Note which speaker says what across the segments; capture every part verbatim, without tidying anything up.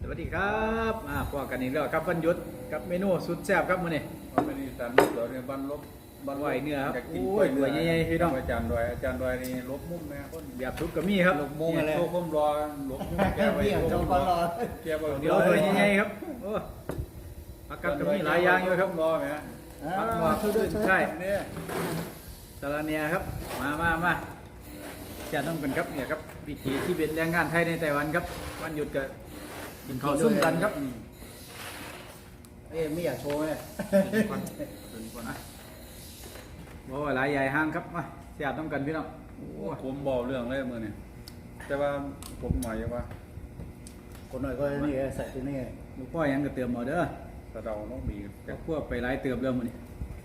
Speaker 1: สวัสดีครับอ่าพอกันอีกแล้วครับวันหยุดกับเมนูสุดแซ่บครับมื้อนี้
Speaker 2: มันเป็นอีสานมุกเหรอเนี่ยบ้านลบบ้าน
Speaker 1: ไหวเนื้อครับ
Speaker 2: ยากกิน
Speaker 1: โอ้ยหน่วยใหญ่ๆพี่น้อง
Speaker 2: อาจารย์ดอยอาจารย์ดอยนี่ลบมุมแม่คน
Speaker 1: แบบทุกก็มีครับ
Speaker 2: ลบมุมอะไรโตคมรอลบมุมแกไว้
Speaker 3: เบี่ยง
Speaker 2: ล
Speaker 3: จะ
Speaker 2: บ
Speaker 3: มารอ
Speaker 2: แกไว้
Speaker 1: เดี๋ยวหน่วยใหญ่ๆครับโอ้ผักกัดก็มีหลายอย่างอยู่ครับ
Speaker 2: รอแม่
Speaker 1: ผักหมอกขึ้นใช่
Speaker 2: เนี่ย
Speaker 1: สาระเนียครับมามามาจะต้องกันครับเนี่ยครับวิถีที่เป็นแรงงานไทยในไต้หวันครับวันหยุดก็กินข้าวซุ่มกันครับ
Speaker 3: เอ้ยไม่อยากโชว์เลย
Speaker 1: ก่อนก่อนนะโอ้หลายใหญ่ห้างครับมาเสียดต้องกันพี่น้องโอ้
Speaker 2: ผมบอกเรื่องเลยมือนี่แต่ว่าผมหมายว่า
Speaker 3: คนหน่อยก็นี่ใส่ตัวนี้
Speaker 1: ลูกพ่อยังก็เติมเอาเด้อ
Speaker 2: ตะเดาต้องมี
Speaker 1: ก็พวกไปหลายเติมเริ่มมื้อนี้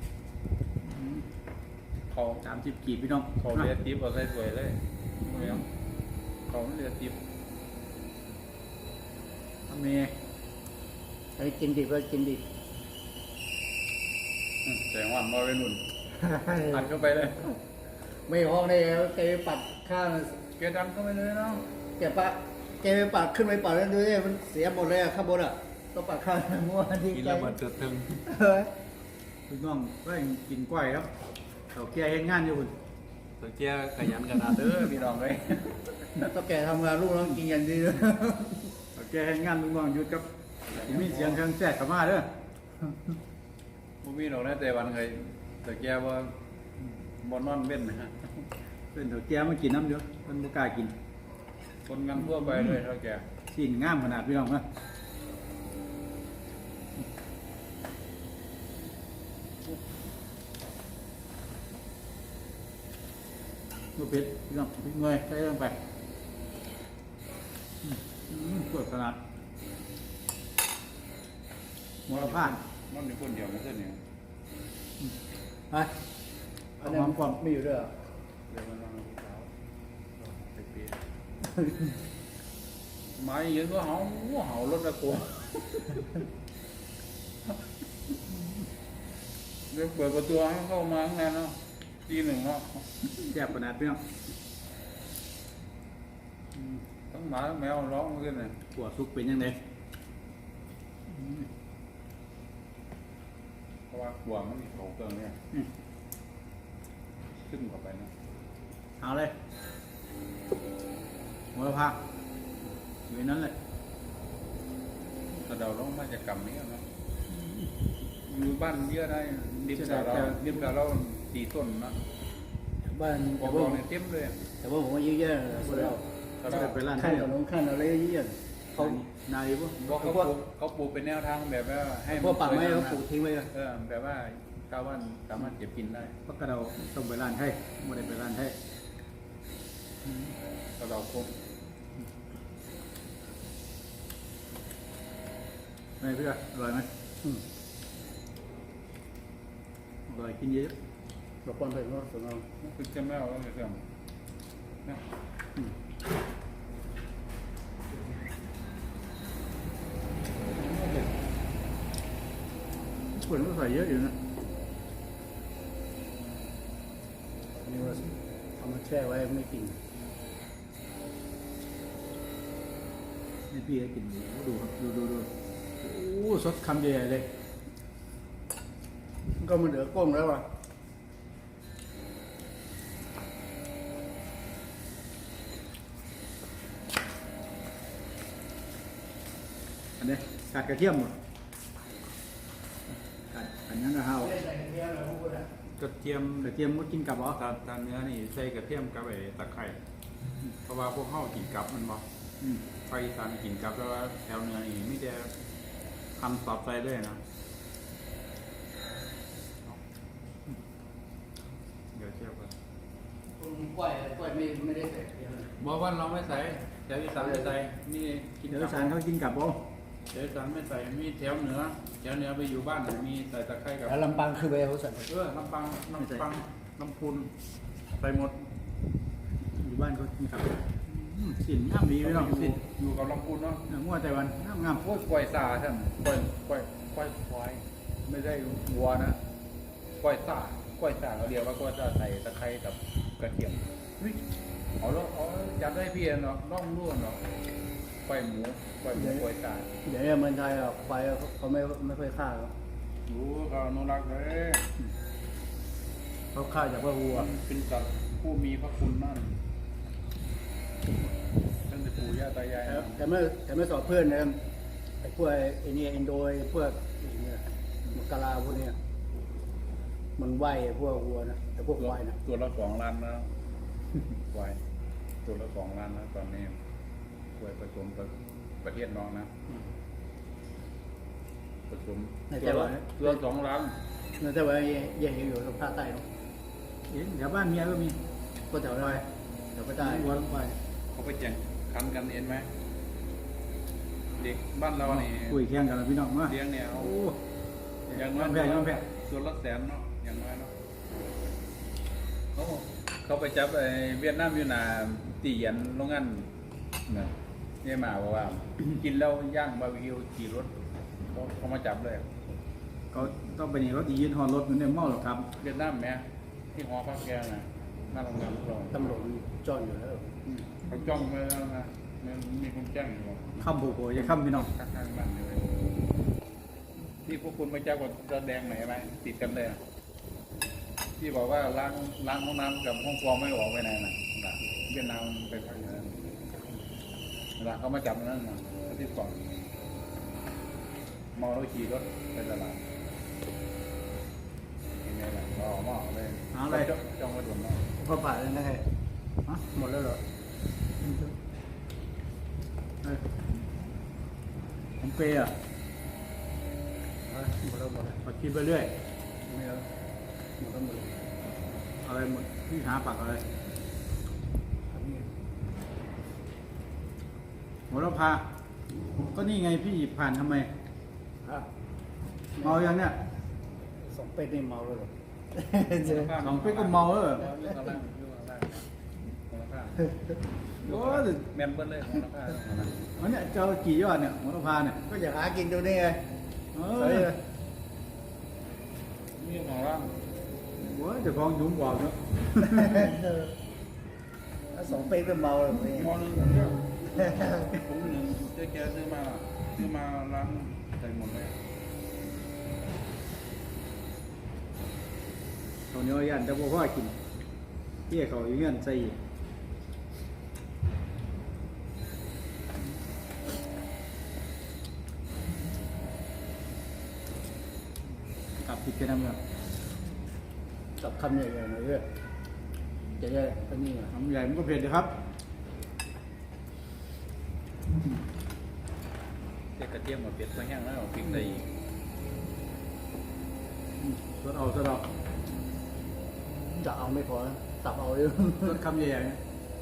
Speaker 2: เขา
Speaker 1: สามสิบกีบพี่น้อง
Speaker 2: เขาเรียกทิปเอาใส่สวยเลยไม่เอาเขาเรียกทิป
Speaker 1: ทำเม
Speaker 3: ไอ้กินดิบก็กินดิบ
Speaker 2: แสงวันมาเป็นหนุนอัดเข้าไปเลย
Speaker 3: ไม่ห้องได้แล้วแกไปปัดข้าง
Speaker 2: แกดันเข้าไปเลยเนาะ
Speaker 3: แกปะแกไปปัดขึ้นไปปัดแล้วดูดิมันเสียหมดเลยอะข้างบนอ่ะต้องปัดข้างมั่วที่
Speaker 2: กิน
Speaker 3: ใจ
Speaker 2: แล้วมันเติดตึง
Speaker 3: เฮ้ย
Speaker 1: พี่น้องก็ยังกินกล้วยครับเขาแก่เฮ็ดงานอยู่คุณ
Speaker 2: ตะเกียขยันขนาดเด้อพี่น้องเลย
Speaker 3: ต้องแกทำงานลูกน้องกินกันดีเลย
Speaker 1: เขาแก่เฮ็ดงานลูกน้องหยุดครับมีเสียงเครื่องแทรกเข้ามาเด้อ
Speaker 2: ผมมีดอกนะแต่วันเคยตะเกียว่าบอนนอนเว้นนะฮะ
Speaker 1: เพิ่นเขาแก่มากินน้ำเด้อเพิ่นบ่กล้ากิน
Speaker 2: คนงานทั่วไปเลยเท่าแก
Speaker 1: สิ้นงามขนาดพี่น้องนะลูกเป็ดพี่น้องพริกเงยใส่ลงไปอืมอืมสดขนาดหัวละพาน
Speaker 2: มันเป็นคนเดียวไม่ใช่เนี่ย
Speaker 1: ไป
Speaker 3: อันนั้นความไม่อยู่ด้วย
Speaker 2: เดี๋ยวมันนอนกับสาวไปเปลี่ยนไม้ยืนก็เห่าเห่ารถตะกัวเดี๋ยวเปิดประตูให้เข้ามาข้างในเนาะทีหนึ่งเนาะ
Speaker 1: แซ่บขนาดพี่น้อง
Speaker 2: ทั้งหมาทั้งแมวร้องขึ้นเลย
Speaker 1: หัวซุกเป็นยังไง
Speaker 2: เพราะว่าขวางมันมีเขาเกินเนี่ยขึ้นเข้าไปนะ
Speaker 1: เอาเลยหัวละพาอยู่ในนั้นเลย
Speaker 2: แต่เราต้องมาจากกรรมนี้เนาะอยู่บ้านเยอะได้ดิบแต่เราดิบแต่เราตีต้นนะ
Speaker 3: บ้าน
Speaker 2: บ
Speaker 3: แต่
Speaker 2: อก
Speaker 3: ว่า
Speaker 2: เราเนี่ยเต็มเลย
Speaker 3: แต่ว่าผมว่าเยอะๆคนเรา
Speaker 2: แต่
Speaker 1: จะ
Speaker 2: เรา
Speaker 1: ไปร้าน
Speaker 3: ขั้น
Speaker 1: ให้
Speaker 3: กับน้องขั้นอะไรเยอะๆเขา
Speaker 1: นาดีป่ะ
Speaker 2: บอกเขาปลูกเขาปลูกเป็นแนวทางแบบว่าให้
Speaker 3: พวกปักไม้เขาปลูกทิ้งไว้เลย
Speaker 2: เออแบบว่าชาวบ้านสามารถเก็บกินได้
Speaker 1: เพราะกระเราต้องไปร้านให้ไม่ได้ไปร้านให้
Speaker 2: ก็เราคง
Speaker 1: ไม่เพื่ออร่อยไหม
Speaker 3: อืม
Speaker 1: อร่อยกินเยอะ
Speaker 3: บอกคนเป็นว่าสนอง
Speaker 2: คือจะไม่เอาแล้วเลยเสื่อมเนี่ย
Speaker 1: คนก็ใส่เยอะอยู่นะ
Speaker 3: นี่ว่าเอามาแช่ไว้ไม่กิน
Speaker 1: นี่พี่ให้กินดูครับดูดูดูโอ้สดคำใหญ่ๆเลย
Speaker 3: ก็มันเหลือก้งแล้วอ่ะ
Speaker 1: อันนี้กัดกระเทียมหมดกัดอันนั้นก็เฮาก
Speaker 2: ระเทียม
Speaker 1: กระเทียมมดกินกับเหรอ
Speaker 2: ตาตาเนื้อนี่ใส่กระเทียมกับไอ้ตะไคร้เพราะว่าพวกเข้ากินกับมันบ่
Speaker 1: อืม
Speaker 2: ไปอีสานกินกับแล้วว่าแถวเนื้อนี่ไม่ได้ทำสอบใจเลยนะเดี๋ยวเทียบกัน
Speaker 3: กล้วยกล้วยไม่ไม่ได้ใส่
Speaker 2: บอกว่าเราไม่ใส่แถวอีสานไม่ใส่นี่กิน
Speaker 1: เดี๋ยว
Speaker 2: กับ
Speaker 1: สารเขากินกับบ่
Speaker 2: แถวอีสานไม่ใส่มีแถวเหนือแถวเหนือไปอยู่บ้านมีใส่ตะไคร้กับ
Speaker 3: แล้วลำปางคือไปเขาใส่
Speaker 2: เออน้ำปังน้ำปังน้ำพุนใส่หมด
Speaker 1: อยู่บ้านเขากินกับอืมสินงามดีไม่ต้อง
Speaker 2: อยู่
Speaker 1: สิน
Speaker 2: อยู่กับลำพุนเนาะ
Speaker 1: เนื้องัวไต้หวันงามงาม
Speaker 2: โอ้ยกล้วยซาท่านกล้วยกล้วยกล้วยควายไม่ได้วัวนะกล้วยซากล้วยซาเราเรียกว่ากล้วยซาใส่ตะไคร้กับกระเทียมเฮ้ยเอาแล้วเอาจัดได้พี่เนาะน้องร่วนเนาะปล่อยหมูปล่อยหมูปล่อยไก่
Speaker 3: เดี๋ยวนี้เมืองไทยอ่ะควายเขาไม่ไม่ค่อยฆ่าหรอก
Speaker 2: รู้เขาอนุรักษ์เลย
Speaker 3: เขาฆ่าจากว่าวัว
Speaker 2: มันเป็นสัตว์ผู้มีพระคุณมากตั้งแต่ปู่ย่าตายาย
Speaker 3: แต่แต่ไม่แต่ไม่สอบเพื่อนนะไอ้พวกไอ้นี่อินโดไอ้พวกไอ้เนี่ยมังกรลาพวกเนี้ยมันไหวไอ้พวกวัวนะไอ้พวกควายนะ
Speaker 2: ตัวละสองล้านนะควายตัวละสองล้านนะตอนนี้ควายผสมกับประเทศน้องนะผสมตัวละตัวละสองล้าน
Speaker 3: นั่นแต่ว่าแย่อยู่ทางภาคใต้เนาะ
Speaker 1: เห็นแถวบ้านเมียก็มี
Speaker 3: ก็แถวดอยแถวภาคใต้
Speaker 1: วัวลงไป
Speaker 2: เขาไปแข่งขันกันเองไหมเด็กบ้านเราเนี่ย
Speaker 1: คุยแข่งกันแล้วพี่น้องมา
Speaker 2: เลี้ยงเนี่ยเอา
Speaker 1: โอ้
Speaker 2: อย่างน้อย
Speaker 1: ยอมแพ้ยอมแพ้
Speaker 2: ตัวละแสนเนาะอย่างน้อยเนาะเขาเขาไปจับไอ้เวียดนามอยู่หนาตีเหยันโรงงานเนี่ยเนี่ยมาบอกว่า กินแล้วย่างบาร์บีคิวขี่รถเขาเขามาจับเลย
Speaker 1: เขาต้องไปนี่รถดียืนหอนรถมันเนี่ยเมาหรอกครับ
Speaker 2: เวียดนามแม่ที่หอพักแกนะหน้าโรงงานเรา
Speaker 3: ตำรวจจ้องอยู่แล้ว
Speaker 2: อืมเขาจ้องไว้แล้วนะมันมีคนแจ้งอยู่
Speaker 1: คำโผล่ๆจะคำพี่น้อง
Speaker 2: ข้างๆบ้านเลยที่พวกคุณไม่เจ้ากับระแดงไหนไหมติดกันเลยอะที่บอกว่าล้างล้างห้องน้ำกับห้องฟองไม่ออกไปไหนนะนะเวียดนามไปพักอย่างนั้นเวลาเขามาจับนั่นนะที่สองเมาแล้วขี่รถไปตลาดยังไงล่ะเราออกมาออกเลย
Speaker 1: เอาอะไร
Speaker 2: จ้องจ้องมาดุนเนาะ
Speaker 3: พอผ่านแล้วนะไง
Speaker 1: ฮะ
Speaker 3: หมดแล้วเหรอ
Speaker 1: เอ้ยผมเปย์อ่ะ
Speaker 3: เอ้ยหมดแล้วหมดแล้ว
Speaker 1: พอคิดไปเรื่อย
Speaker 3: ไม่เอาหมดแล้วหมดแล้ว
Speaker 1: อะไรหมดพี่หาปากอะไร
Speaker 3: อันนี้
Speaker 1: หัวเราพา ก็นี่ไงพี่ผ่านทำไม
Speaker 3: อ่ะ
Speaker 1: เมายังเนี่ย
Speaker 3: สองเป็ดนี่เมาแล้วเหรอ
Speaker 1: สองปีก็เมาแล้วเหรอ
Speaker 2: เรื่องอะไรเรื่องอะไรมูลค่า
Speaker 1: โอ้ย
Speaker 2: แมนเบิ้ลเลยมูลค่า
Speaker 1: มันเนี่ยเจ้ากี่ยอดเนี่ยหัวเราพาเนี่ย
Speaker 3: ก็อยากหากินดูนี่ไง
Speaker 1: เอ
Speaker 3: เฮ้ย
Speaker 1: อ
Speaker 2: นี่ของร่าง
Speaker 1: โอ้ยเจะกองยุ่งบอกเนาะ
Speaker 3: ถ้าสองเป็ดก็เมาแล้วนี่
Speaker 2: มอนึงเยอะผมหนึ่งเจ๊แกซื้อมาซื้อมาล้างใส่หมดเลย
Speaker 1: เขาวเหนี้ยันจะบอกว่ากินเที่ยเขาอยู่เงี้ยใส่อีกกลับผิดกันนะครับ
Speaker 3: กับคำใหญ่ๆหน่อยเว้ยจะได้อันนี้อ่ะ
Speaker 1: ทำใหญ่มันก็เผ็ดนะครับ
Speaker 2: เจ๊กระเทียมกับเป็ดก็แห้งแล้วพริกใส่อีก
Speaker 1: สดเอาสดเอา
Speaker 3: จะเอาไม่พอนะตับเอาเยอะ
Speaker 1: สดคำใหญ่ๆนะ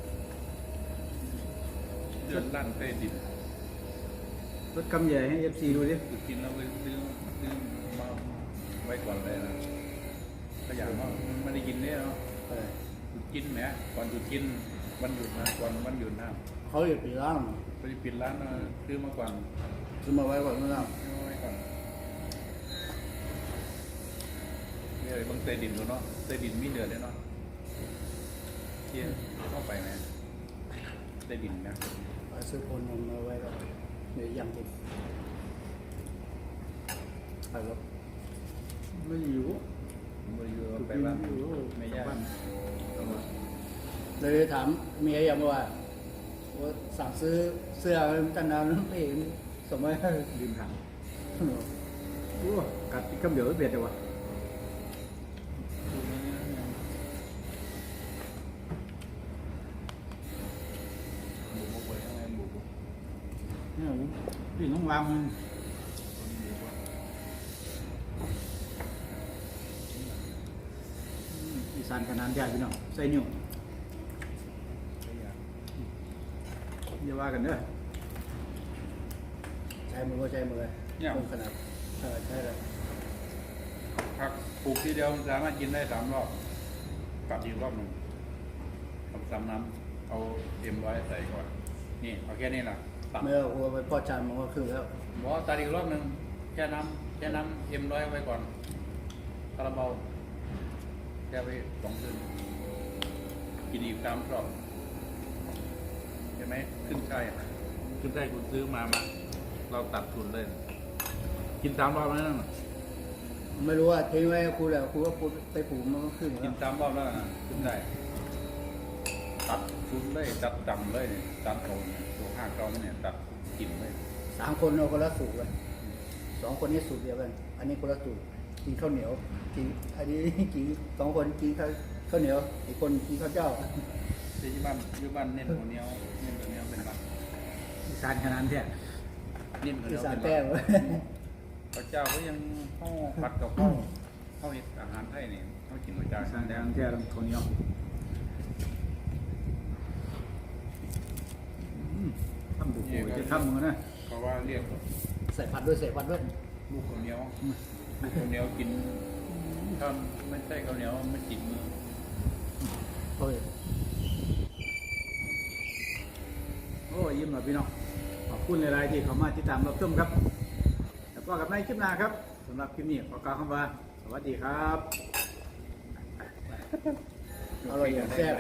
Speaker 2: เดือดลั่นเต้ดิบ
Speaker 1: สดคำใหญ่ให้เอฟซีดูดิ
Speaker 2: คือกินแล้วไปซื้อซื้อมาไว้ก่อนเลยนะก็อย่างว่าไม่ได้กินเนี่ยเนาะ
Speaker 3: เออ
Speaker 2: หยุดกินแหมก่อนหยุดกินวันหยุดนะก่อนวันหยุดนะ
Speaker 3: เขาอยู่ปีล่าง
Speaker 2: ไปปิดร้านนะซื้อมาก่อน
Speaker 3: ซื้อมาไว้ก่อนไม่ต้อง
Speaker 2: ซื้อมาไว้ก่อนนี่เลยบางเตดินดูเนาะเตดินมีเดือดเลยเนาะเที่ยเข้าไปไหมเตดินนะ
Speaker 3: เอาซื้อคนมาไว้ก่อนเดี๋ยวยังกินไปแล้ว
Speaker 1: ไม่อยู่
Speaker 2: บริยูไปบ้านไม่ยาก
Speaker 3: เลยถามเมียยังว่าว่าสั่งซื้อเสื้อตั้งนานแล้วไม่เห็นสมัย
Speaker 1: ลืมถามโอ้กัดคำเดียวไม่เผ็ดเลยวะเนี่ยพี่น้องวางมันอีสานขนาดใหญ่พี่น้องใส่นิ้วอย่าว่ากันเด้อ
Speaker 3: ใช้มือก็ใช้มือคงขนาดเออใช่เลย
Speaker 2: ผักปลูกทีเดียวสามารถกินได้สามรอบกลับอีกรอบหนึ่งทำซ้ำน้ำเอาเอ็มร้อยใส่ก่อนนี่เอาแค่นี้แหละตัด
Speaker 3: เมื่อหัวไปพ่อจานมันก็คือแล้ว
Speaker 2: บอกว่าตัดอีกรอบหนึ่งแค่น้ำแค่น้ำเอ็มร้อยไว้ก่อนคาราบาลแค่ไปสองคืนกินอีกสามรอบเห็นไหมขึ้นใช่คุณได้คุณซื้อมามาเราตัดทุนเลย กินสามรอบแล้วนะ
Speaker 3: ไม่รู้ว่าทิ้งไว้ครูแล้วครูก็พูดไปปลูกมันก็ขึ้น
Speaker 2: กิ
Speaker 3: แล้
Speaker 2: น
Speaker 3: ว
Speaker 2: สามรอบแล้วนะคุณได้ ตัดทุนเลยตัดจำเลยเนี่ยตัดโอนตัวห้าเก้าเนี่ยตัดกินเลย
Speaker 3: สามคนเราคนละสูตรเลยสองคนนี้สูตรเดียวกันอันนี้คนละสูตรกินข้าวเหนียวกินอันนี้กินสองคนกินข้าวข้าวเหนียวอีกคนกินข้าวเจ้า
Speaker 2: ที่บ้านที่บ้านเน้นหัวเหนียวเน้นหัวเหนียวเป็นหลัก
Speaker 1: อีสานขนาดนี้
Speaker 2: เน้นหัวเห
Speaker 3: อี
Speaker 2: นียว
Speaker 3: สาน
Speaker 2: เป็นห
Speaker 3: แต้
Speaker 2: ลั
Speaker 3: ม
Speaker 2: กพระเจ้าก็ยังเข้าผัดกับข้าวข้าวเห็ดอาหารไทยเนี่ยเขากินหัวใจ
Speaker 1: อีสานแดงแท้ต้องคนเหนียวอืมทำบุกโอยจะทำมือนะ
Speaker 2: เพราะว่าเรียก
Speaker 3: ใส่ผัดด้วยใส่ผัดด้วย
Speaker 2: ลูกข้าวเหนียวลูกข้าวเหนียวกินถ้าไม่ใช่ข้าวเหนียวไม่กินมือ
Speaker 3: โอ้ย
Speaker 1: โอ้ยิ้มหน่อยพี่น้องขอบคุณหลายๆที่เข้ามาติดตามรับชมครับแล้วก็กับในคลิปหน้าครับสำหรับคลิปนี้ขอกล่าวคำว่าสวัสดีครับ
Speaker 3: อร่อยอย่างแซ่บ